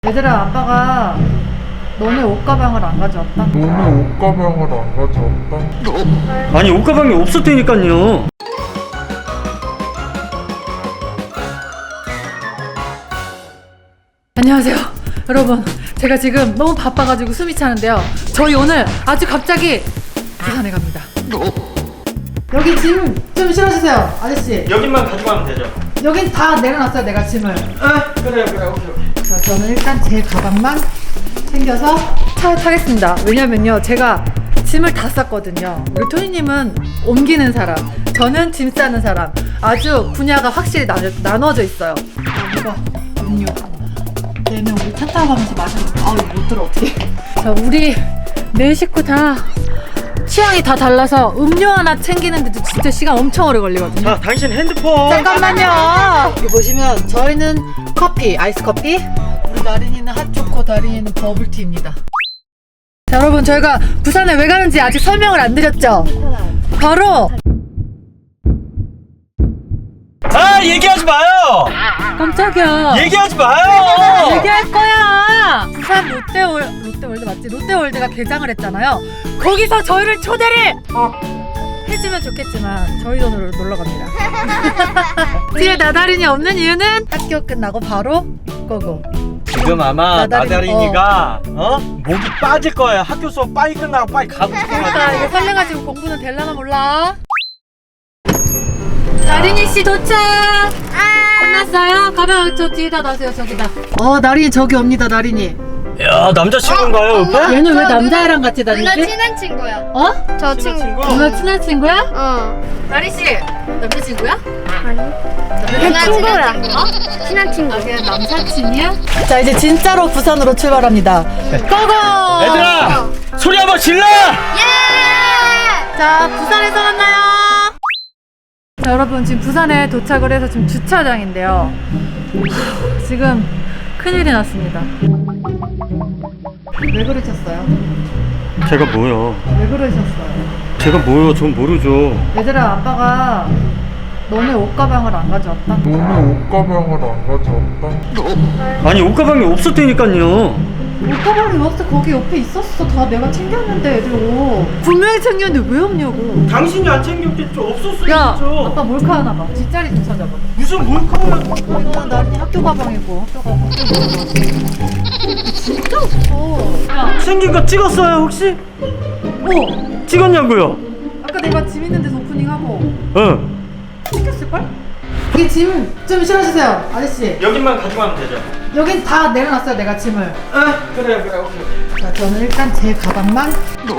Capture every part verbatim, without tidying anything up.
얘들아, 아빠가 너네 옷가방을 안 가져왔다. 너네 옷가방을 안 가져왔다? 아니 옷가방이 없었다니까요. 안녕하세요 여러분, 제가 지금 너무 바빠가지고 숨이 차는데요, 저희 오늘 아주 갑자기 부산에 갑니다. 여기 짐 좀 실어주세요 아저씨. 여기만 가져가면 되죠. 여긴 다 내려놨어요 내가 짐을. 아 그래요 그래 오케이 오케이. 자, 저는 일단 제 가방만 챙겨서 차에 타겠습니다. 왜냐면요, 제가 짐을 다 쌌거든요. 우리 토니님은 옮기는 사람, 저는 짐 싸는 사람, 아주 분야가 확실히 나눠, 나눠져 있어요. 아, 이거 음료. 얘는 우리 차 타고 가면서 마셨는데 아우 이거 못 들어 어떻게. 자, 우리 네 식구 다 취향이 다 달라서 음료 하나 챙기는데도 진짜 시간 엄청 오래 걸리거든요. 자 당신 핸드폰. 잠깐만요. 여기 보시면 저희는 커피, 아이스 커피, 우리 나린이는 핫초코, 다린이는 버블티입니다. 자, 여러분, 저희가 부산에 왜 가는지 아직 설명을 안 드렸죠? 바로 아 얘기하지 마요. 깜짝이야. 얘기하지 마요. 얘기할 거야. 부산 롯데월 롯데월드 맞지? 롯데월드가 개장을 했잖아요. 거기서 저희를 초대를 해주면 좋겠지만 저희 돈으로 놀러 갑니다. 뒤에 나다린이 없는 이유는 학교 끝나고 바로 고고. 지금 아마 나다린이, 나다린이가 어. 목이 빠질 거예요. 학교 수업 빨리 끝나고 빨리 가고 자, 싶어가지고. 이거 설레가지고 공부는 될라나 몰라. 나린이 씨 도착. 끝났어요? 가방 저 뒤에다 놔세요. 저기다. 어, 나린이 저기 옵니다. 나린이. 야 남자친구인가요 옆에? 얘는 왜 저 남자애랑 같이 누나 다니지? 친한 친구야. 어? 저 친한 친구. 친구? 누나 친한 친구야? 어. 나린 씨 남자친구야? 아니. 누나 친구야. 친한 친구. 어? 친한 친구. 아, 그냥 남사친이야? 자, 이제 진짜로 부산으로 출발합니다. 고고! 얘들아 소리 한번 질러. 예! 자, 부산에서 만나요. 자, 여러분, 지금 부산에 도착을 해서 지금 주차장인데요. 하, 지금 큰일이 났습니다. 왜 그러셨어요? 제가 뭐요? 왜 그러셨어요? 제가 뭐요? 전 모르죠. 얘들아, 아빠가 너네 옷가방을 안 가져왔다. 너네 옷가방을 안 가져왔다? 아니 옷가방이 없었다니까요. 옷가방이 없어. 거기 옆에 있었어. 다 내가 챙겼는데 애들 옷. 분명히 챙겼는데 왜 없냐고. 당신이 안 챙겼겠죠. 없었을 야, 수도 아빠 있죠. 몰카 하나 봐. 뒷자리 좀 찾아봐. 무슨 몰카야? 이거 나린이 학교 가방이고 학교 가방. 진짜 없어. 야, 생긴 거 찍었어요 혹시? 어. 찍었냐고요? 아까 내가 짐 있는 데서 오프닝하고 응. 챙겼을걸? 여기 짐 좀 실어주세요 아저씨. 여기만 가져가면 되죠. 여긴 다 내려놨어요 내가 짐을. 아 그래요 그래 오케이. 자, 저는 일단 제 가방만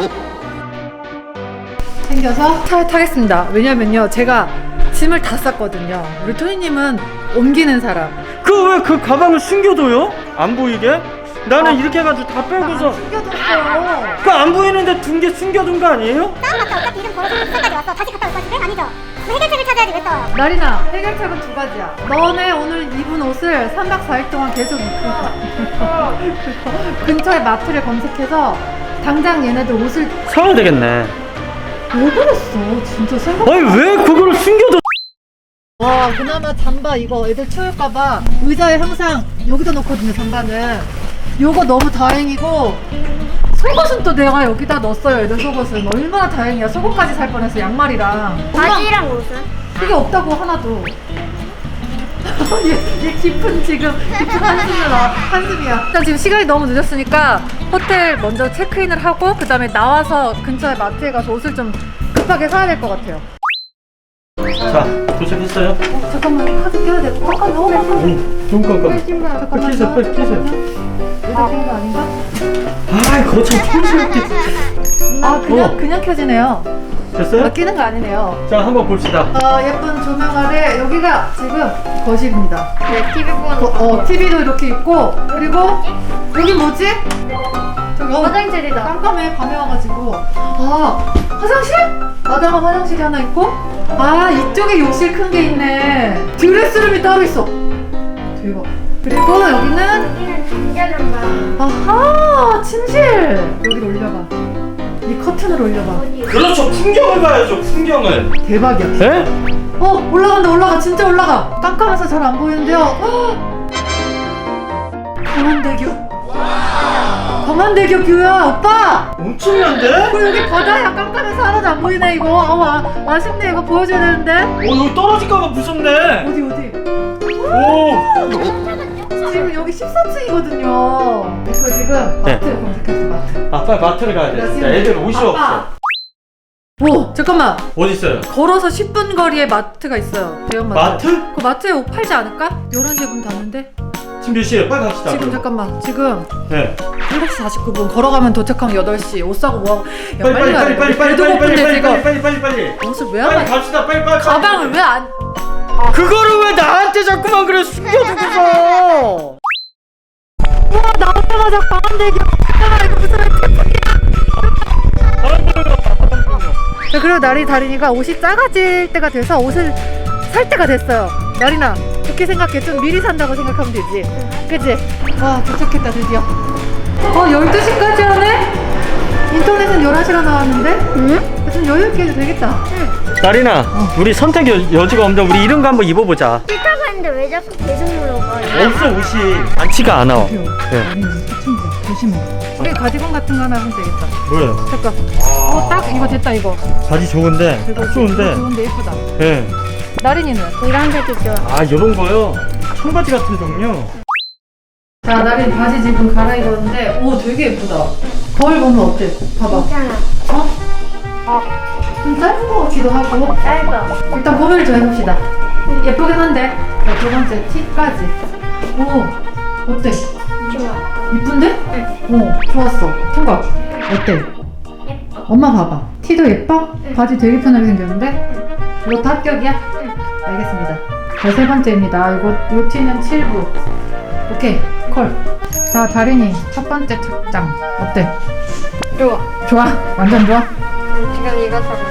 챙겨서 차에 타겠습니다. 왜냐면요, 제가 짐을 다 쌌거든요. 우리 토니님은 옮기는 사람. 그 왜 그 가방을 숨겨둬요? 안 보이게? 나는 이렇게 해가지고 다 빼고서 숨겨뒀어. 그 안 보이는데 둔 게 숨겨둔 거 아니에요? 다운받다 어차피 이름 걸어서 부산까지 왔어. 다시 갔다 올 거지? 아니죠? 뭐 해결책을 찾아야지 왜 또? 나린아, 해결책은 두 가지야. 너네 오늘 입은 옷을 삼 박 사 일 동안 계속 입고 가. 근처에 마트를 검색해서 당장 얘네들 옷을. 사야 되겠네. 왜 그랬어? 진짜 생각. 아니 왜 그거를 숨겨둬? 와, 그나마 잠바 이거 애들 추울까봐 의자에 항상 여기다 놓거든요. 잠바는 요거 너무 다행이고, 속옷은 또 내가 여기다 넣었어요. 애들 속옷은 얼마나 다행이야. 속옷까지 살 뻔했어. 양말이랑 바지랑 옷은? 그게 없다고 하나도. 얘, 얘 깊은 지금 깊은 한숨을 나 한숨이야. 일단 지금 시간이 너무 늦었으니까 호텔 먼저 체크인을 하고 그 다음에 나와서 근처에 마트에 가서 옷을 좀 급하게 사야 될 것 같아요. 자 도착했어요. 어, 잠깐만, 카드 껴야 돼. 잠깐 너무 깜깜해. 응. 좀 깜깜. 잠깐만요. 끼세요, 빨리 끼세요. 여기다 낀거 아닌가? 아 거참 촌스럽게 진짜. 아, 그냥 어. 그냥 켜지네요. 됐어요? 아, 끼는 거 아니네요. 자 한번 봅시다. 어, 예쁜 조명 아래 여기가 지금 거실입니다. 네, 티비 보는 거, 거. 어, 티비도 이렇게 있고, 그리고 여기 뭐지? 저기 어, 화장실이다. 깜깜해. 밤에 와가지고. 아, 화장실? 마당은 화장실이 하나 있고, 아, 이쪽에 욕실 큰 게 있네. 드레스룸이 따로 있어. 대박. 그리고 여기는 잠자는 아하, 침실. 여기를 올려봐. 이 커튼을 올려봐. 그렇죠. 풍경을 봐야죠. 풍경을. 대박이야. 에? 어, 올라간다. 올라가. 진짜 올라가. 깜깜해서 잘 안 보이는데요. 헉! 광안대교. 광안대교 뷰야 오빠. 엄청난데? 어, 여기 바다야. 깜깜해서 하나도 안 보이네 이거. 어, 와, 아쉽네. 이거 보여줘야 되는데. 어 여기 떨어질까봐 무섭네. 어디 어디. 오. 지금 여기 십사 층이거든요. 이거 지금 네. 마트 검색했어 마트. 아 빨리 마트를 가야 돼. 진짜 애들 옷이 없어. 오 잠깐만. 어디 있어요? 걸어서 십 분 거리에 마트가 있어요. 대형 마트. 마트? 그 마트에 옷 팔지 않을까? 열한 시에 문 닫는데? 지금 몇 시에요? 빨리 갑시다. 지금 잠깐만. 지금 네. 일곱 시 사십구 분 걸어가면 도착하면 여덟 시. 옷 사고 뭐하고. 야, 빨리 빨리 가야 빨리 돼. 빨리 빨리 배도 빨리 고픈데 빨리 지금. 빨리 빨리 빨리 빨리. 옷을 왜 안 빨리 봐? 갑시다. 빨리 빨리. 가방을 왜 안? 그거를 왜 나한테 자꾸만 그래 숨겨두고서. 우와 나오자마자 광안대교. 잠깐만 이거 무슨 자 그리고 나리 다린이가 옷이 작아질 때가 돼서 옷을 살 때가 됐어요. 나린아 좋게 생각해. 좀 미리 산다고 생각하면 되지. 그치? 와 도착했다 드디어. 어 열두 시까지 하네? 인터넷은 열한 시간 나왔는데? 응? 좀 여유있게 해도 되겠다. 나린아, 우리 선택 여, 여지가 없는데 우리 이런 거 한번 입어보자. 싫다고 했는데 왜 자꾸 계속 물어봐? 없어 옷이 많지가 않아. 네. 나린이 사춘기야. 조심해. 우리 가디건 같은 거 하나 하면 되겠다. 뭐예요? 잠깐. 어 딱 이거 됐다 이거. 바지 좋은데, 이거 딱 좋은데. 좋은데 예쁘다. 네. 나린이는? 이런 색이 좋아. 아 이런 거요? 청바지 같은 종류. 자, 나린 바지 지금 갈아입었는데, 오, 되게 예쁘다. 거울 보면 어때? 봐봐. 괜찮아. 어? 좀 짧은 것 같기도 하고. 짧아. 일단 고민을 좀 해봅시다. 예쁘긴 한데, 자, 두 번째 티까지. 오, 어때? 좋아. 이쁜데? 응. 오, 좋았어. 통과. 어때? 예뻐. 엄마 봐봐. 티도 예뻐? 바지 되게 편하게 생겼는데? 이것도 합격이야? 알겠습니다. 자, 세 번째입니다. 이거, 요 티는 칠 부. 오케이, 콜. 자, 다린이 첫 번째 착장 어때? 좋아. 좋아? 완전 좋아? 지금 이거 사고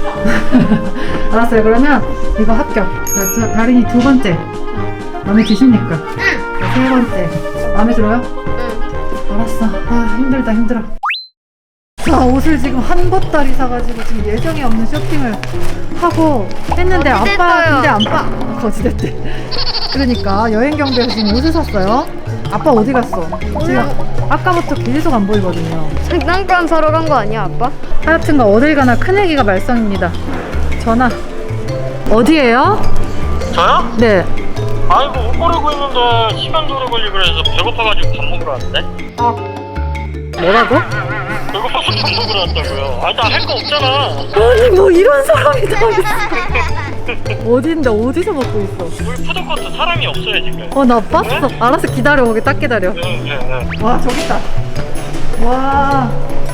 있어. 알았어요. 그러면 이거 합격. 자, 자, 다린이 두 번째 마음에 드십니까? 응. 자, 세 번째 마음에 들어요? 응. 알았어. 아 힘들다 힘들어. 자, 옷을 지금 한 보따리 사가지고 지금 예정이 없는 쇼핑을 하고 했는데 아빠 거지됐어요. 근데 아빠 거지됐대. 그러니까 여행 경비에서 지금 옷을 샀어요. 아빠 어디 갔어? 지금 아까부터 계속 안 보이거든요. 장난감 사러 간 거 아니야, 아빠? 하여튼간 어딜 가나 큰애기가 말썽입니다. 전화. 어디에요? 저요? 네. 아이고 옷 고르고 있는데 시간도 오래 걸리고 그래서 배고파가지고 밥 먹으러 왔는데. 뭐라고? 배고파서 밥 먹으러 왔다고요. 아니 나 할 거 없잖아. 아니 뭐 이런 사람이 다 있어. 어딘데 어디서 먹고 있어? 우리 푸드코트 사람이 없어요 지금. 어 나 봤어. 알았어 기다려. 거기 딱 기다려. 네네네. 와 저기 있다. 와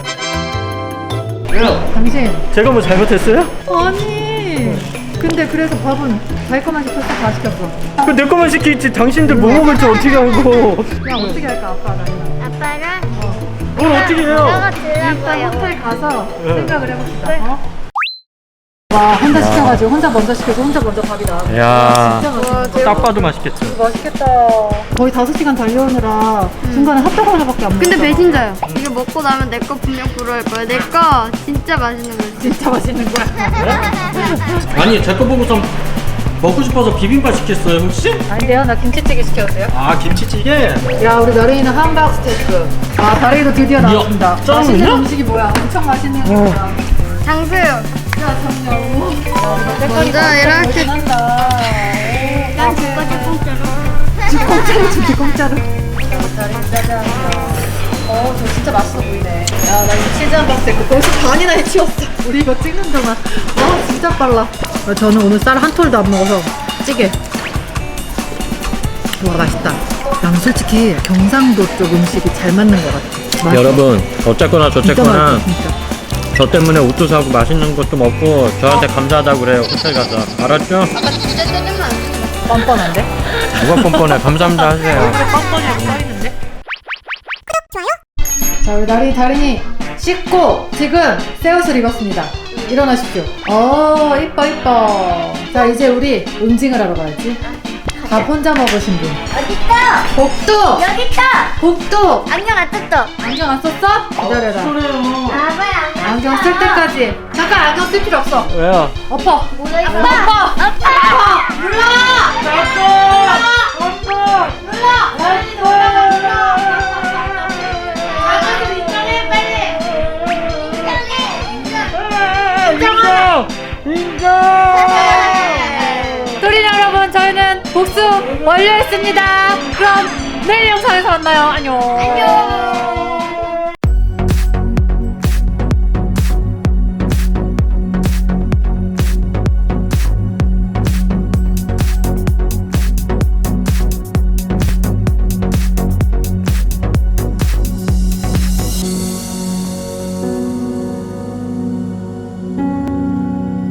왜요? 당신. 제가 뭐 잘못했어요? 아니. 근데 그래서 밥은 자기 것만 시켰어? 다 시켰어? 그 내 거만 시키지 당신들 뭐 먹을지 어떻게 알고. 야 어떻게 할까 아빠 나랑. 아빠랑 뭘 어떻게 해요? 내가 일단 들어가요. 호텔 가서 네. 생각을 해봅시다. 어? 와 혼자 시켜가지고 혼자 먼저 시켜서 혼자 먼저 밥이 나와. 야. 진짜 맛있어. 딱 봐도 맛있겠죠. 맛있겠다. 거의 다섯 시간 달려오느라 중간에 핫도그 하나밖에 안 먹었어. 근데 배신자요. 이거 먹고 나면 내 거 분명 부러울 거야. 내 거 진짜 맛있는 거지. 진짜 맛있는 거야. 아니 제 거 보고서 먹고 싶어서 비빔밥 시켰어요 혹시? 아닌데요? 나 김치찌개 시켰어요. 아 김치찌개? 야 우리 나린이는 함박 스테이크. 아 다리도 드디어 나왔습니다. 짱이냐? 맛있는 음식이 뭐야? 엄청 맛있는 거야. 장수요. 야 정녕. 먼저 이렇게. 한다. 난 집까지 공짜로. 뒷공짜로 주 뒷공짜로. 다린이 짜잔. 어, 저 진짜 맛있어 보이네. 야, 나 이 치즈 함박 스테이크 벌써 반이나 해치웠어. 우리 이거 찍는 동안. 와, 진짜 빨라. 아, 저는 오늘 쌀 한 톨도 안 먹어서 찌개. 와, 맛있다. 난 솔직히 경상도 쪽 음식이 잘 맞는 것 같아. 맛있어. 여러분 어쨌거나 진짜 저쨌거나 맛있어, 진짜. 저 때문에 옷도 사고 맛있는 것도 먹고 저한테 감사하다고 그래요 호텔 가서 알았죠? 아까 진짜 짜증나. 뻔뻔한데? 누가 뻔뻔해 감사합니다 하세요. 뻔뻔하고 써있는데? 자, 우리 나린이 다린이 씻고 지금 새 옷을 입었습니다. 일어나십시오. 어, 이뻐 이뻐. 자, 이제 우리 응징을 하러 가야지. 밥 혼자 먹으신 분. 어딨어? 복도! 여기 있다. 복도! 안녕 안 떴어. 안경 안 썼어? 기다려라. 아빠야. 안경 쓸 때까지. 잠깐 안경 쓸 필요 없어. 왜요? 엎어. 뭐야 아빠! 아빠. 아빠! 눌러! 눌러! 눌러! 눌러! 나린이 놀라 놀라! 인정! 토린 여러분, 저희는 복수 완료했습니다. 그럼 내일 영상에서 만나요. 안녕. 안녕.